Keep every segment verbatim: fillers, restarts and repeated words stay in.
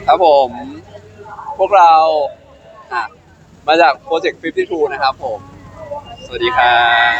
ครับผมพวกเราอ่ะมาจากโปรเจกต์ห้าสิบสองนะครับผมสวัสดีครับ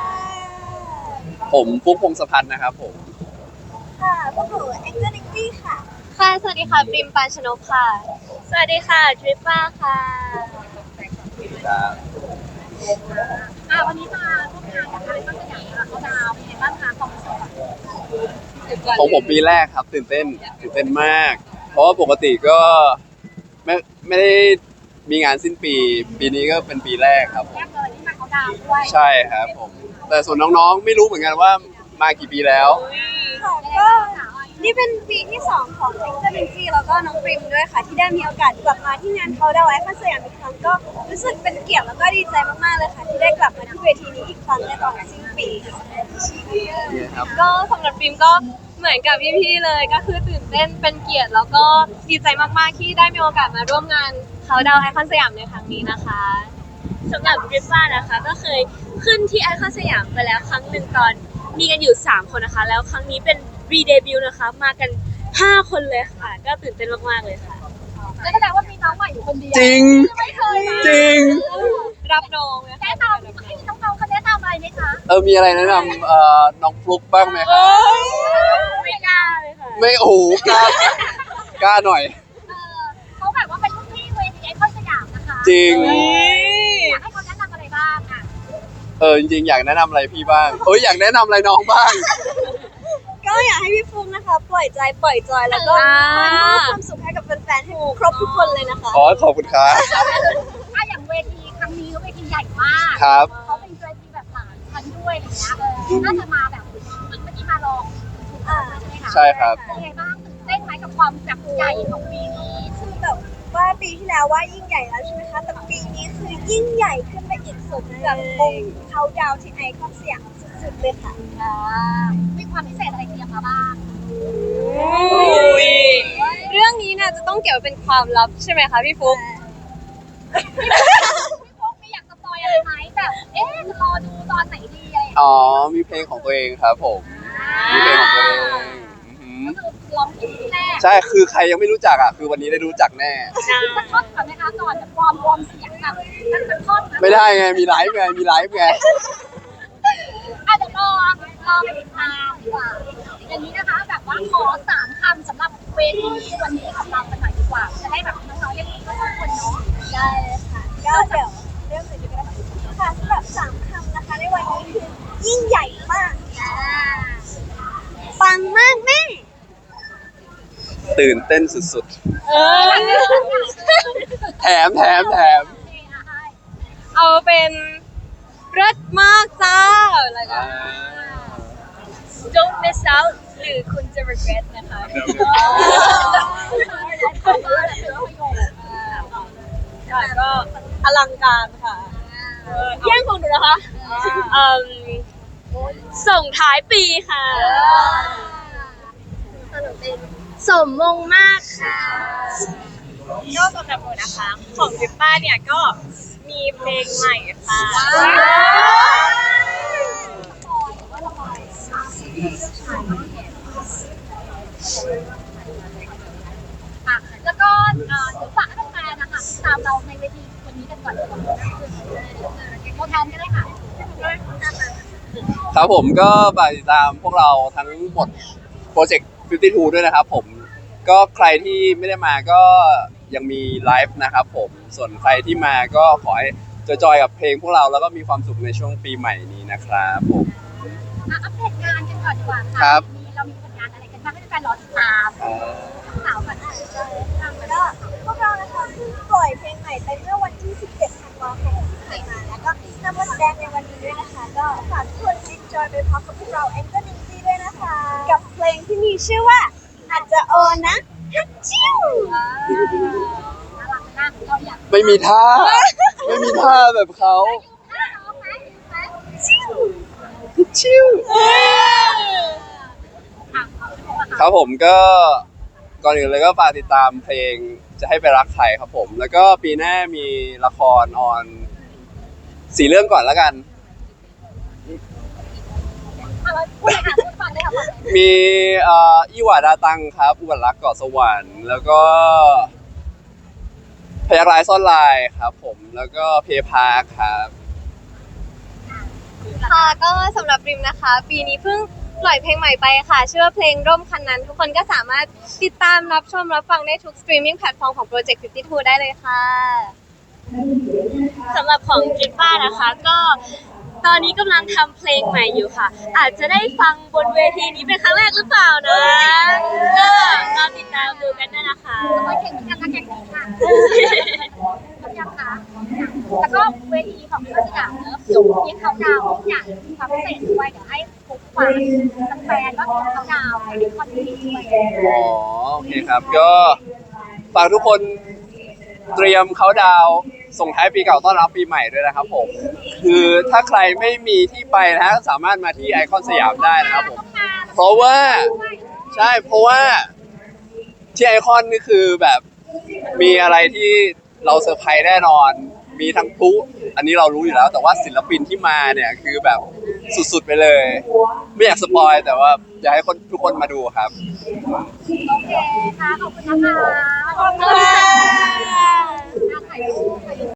ผมฟุ๊กพงศพัฒน์นะครับผมค่ะพวกหนูแองเจิลนิกกี้ค่ะค่ะสวัสดีค่ะปริมปานชนกค่ะสวัสดีค่ะทริปป้าค่ะครับอ่าวันนี้มาร่วมงานกับอะไรบ้างสยามเขาดาวเป็นไงบ้างคะความรู้สึกของผมปีแรกครับตื่นเต้นตื่นเต้นมาก เพราะว่าปกติก็ไม่ไม่ได้มีงานสิ้นปีปีนี้ก็เป็นปีแรกครับผมแรกเลยที่มาเขาดาวด้วยใช่ครับผมแต่ส่วนน้องๆไม่รู้เหมือนกันว่ามากี่ปีแล้วค่ะก็นี่เป็นปีที่สองของแองเจิลนิกกี้แล้วก็น้องปริมด้วยค่ะที่ได้มีโอกาสกลับมาที่งานเขาดาวไอคอนสยามอีกครั้งก็รู้สึกเป็นเกียรติแล้วก็ดีใจมากๆเลยค่ะที่ได้กลับมาที่เวทีนี้อีกครั้งในตอนสิ้นปีค่ะก็สำหรับปริมก็เหมือนกับพี่ๆเลยก็คือตื่นเต้นเป็นเกียรติแล้วก็ดีใจมากๆที่ได้มีโอกาสมาร่วมงานเขาดาวไอคอนสยามในครั้งนี้นะคะสำหรับทริปป้านะคะก็เคยขึ้นที่ไอคอนสยามไปแล้วครั้งหนึ่งตอนมีกันอยู่สามคนนะคะแล้วครั้งนี้เป็นรีเดบิวต์นะคะมากันห้าคนเลยค่ะก็ตื่นเต้นมากๆเลยค่ะแล้วแสดงว่ามีน้องใหม่อยู่คนเดียวจริงไม่เคยนะจริงรับน้องนะคะแนะนำให้น้องๆเขาแนะนำอะไรไหมคะเออมีอะไรแนะนำเอ่อน้องฟลุ๊กบ้างไหมครับไม่กล้าเลยค่ะไม่โอ้โหกล้ากล้าหน่อยเออเขาแบบว่าเป็นรุ่นพี่เวทีไอคอนสยามนะคะจริงอยากให้เขาแนะนำอะไรบ้างอ่ะเออจริงๆอยากแนะนำอะไรพี่บ้างเอ้ยอยากแนะนำอะไรน้องบ้างก็อยากให้พี่ฟุ้งนะคะ ปล่อยใจปล่อยจอยแล้วก็อ่ามามอบความสุขให้กับแฟนๆให้ครบทุกคนเลยนะคะอ๋อขอบคุณครับถ้าอย่างเวทีครั้งนี้ก็เวทีใหญ่มากครับเขาเป็นเวทีแบบหลายชั้นด้วยอย่างเงี้ยเออน่าจะมาแบบเหมือนเมื่อกี้มาลองอ่าใช่ไหมคะใช่ครับเป็นไงบ้างตื่นเต้นไหมกับความแบบใหญ่ของปีนี้คือแบบว่าปีที่แล้วว่ายิ่งใหญ่แล้วใช่ไหมคะแต่ปีนี้คือยิ่งใหญ่ขึ้นไปอีกสุดกับวงเขาดาวที่ไอคอนสยามสุดๆเลยค่ะมีความพิเศษอะไรเตรียมมาบ้างเรื่องนี้น่าจะต้องเก็บไว้เป็นความลับใช่ไหมคะพี่ฟุ๊กพี่พงไม่อยากสปอยอะไรไหมแบบเอ๊ะจะรอดูตอนไหนดีอะไรอย่างเงี้ยอ๋อมีเพลงของตัวเองครับผมมีเพลงของตัวเองอือหือก็คือร้องเพลงที่แรกใช่คือใครยังไม่รู้จักอ่ะคือวันนี้ได้รู้จักแน่สักท่อนก่อนไหมคะก่อนจะวอร์มวอร์มเสียงแบบนั่นเป็นท่อนนะไม่ได้ไงมีไลฟ์ไงมีไลฟ์ไงอ่ะเดี๋ยวรอรอไปติดตามดีกว่าอย่างนี้นะคะแบบว่าขอสามคำสำหรับเวทีวันนี้ของเรากันหน่อยดีกว่าจะได้แบบน้องๆได้รู้ทุกคนเนาะได้เลยค่ะก็เดี๋ยวเริ่มเลยดีกว่าค่ะสำหรับสามคำนะคะในวันนี้คือยิ่งใหญ่มากปังมากแม่ตื่นเต้นสุดเออๆ แถมแถมแถมเอาเป็นรสมากจ้าอะไรกัน Don't miss out หรือคุณจะ regret นะคะ ค่ะก็อลังการค่ะแย่งของหนูนะคะเอิ่มส่งท้ายปีค่ะ สมมงมากค่ะก็สำหรับหนูนะคะ ของทริปป้าเนี่ยก็มีเพลงใหม่ค่ะแล้วก็เดี๋ยวฝากให้แฟนๆนะคะตามเราในเวทีวันนี้กันก่อนดีกว่าตัวแทนก็ได้ค่ะครับผมก็ฝากติดตามพวกเราทั้งหมดโปรเจกต์ห้าสิบสองด้วยนะครับผมก็ใครที่ไม่ได้มาก็ยังมีไลฟ์นะครับผมส่วนใครที่มาก็ขอให้จอยๆกับเพลงพวกเราแล้วก็มีความสุขในช่วงปีใหม่นี้นะครับผมอัปเดตงานกันก่อนดีกว่าค่ะครับมีเรามีผลงานอะไรกันบ้างให้แฟนๆรอติดตามเอ่อสาวก่อนค่ะทางก็พวกเรานะคะเพิ่งปล่อยเพลงใหม่ไปเมื่อวันที่สิบเจ็ดธันวาคมที่ผ่านมาแล้วก็นำมาแสดงในวันนี้ด้วยนะคะก็ฝากทุกคน enjoy ไปพร้อมกับพวกเรา Angel Ninja ด้วยนะคะกับเพลงที่มีชื่อว่าอาจจะโอนนะฮัจจิวน่ารักมากเราอยากไม่มีท่า ไม่มีท่าแบบเขาท่าน้องไหมจิวชิว ครับผมก็ก่อนอื่นเลยก็ฝากติดตามเพลงจะให้ไปรักใครครับผม แล้วก็ปีหน้ามีละครออนสี่เรื่องก่อนแล้วกันเอาเราพูดเลยค่ะพูดฟังได้ค่ะมีเอ่ออีหวาดาตังครับอุบัติรักเกาะสวรรค์แล้วก็พยักร้ายซ่อนลายครับผมแล้วก็เพพาครับค่ะก็สำหรับริมนะคะ ปีนี้เพิ่งปล่อยเพลงใหม่ไปค่ะชื่อว่าเพลงร่มคันนั้น ทุกคนก็สามารถติดตามรับชมรับฟังได้ทุกสตรีมมิ่งแพลตฟอร์มของ Project ห้าสิบสองได้เลยค่ะสำหรับของกิฟฟ้านะคะก็ตอนนี้กำลังทำเพลงใหม่อยู่ค่ะ อาจจะได้ฟังบนเวทีนี้เป็นครั้งแรกหรือเปล่านะก็รอติดตามดูกันด้วยนะคะมาแข่งกันนะแข่งกันค่ะพร้อมยังคะแล้วก็เวทีของพี่สยามเนอะสูงที่เขาดาวทุกอย่างมีความพิเศษด้วยเดี๋ยวให้ทุกฝ่ายแฟนๆก็เขาดาวในคอนเทนต์ด้วยอ๋อโอเคครับก็ฝากทุกคนเตรียมเขาดาวน์ส่งท้ายปีเก่าต้อนรับปีใหม่ด้วยนะครับผมคือถ้าใครไม่มีที่ไปนะฮะสามารถมาที่ไอคอนสยามได้นะครับผมเพราะว่าใช่เพราะว่าที่ไอคอนนี่คือแบบมีอะไรที่เราเซอร์ไพรส์แน่นอน มีทั้งพลุอันนี้เรารู้อยู่แล้ว แต่ว่าศิลปินที่มาเนี่ยคือแบบสุดๆไปเลย ไม่อยากสปอยแต่ว่าอยากให้คนทุกคนมาดูครับโอเคค่ะขอบคุณนะคะขอบคุณค่ะ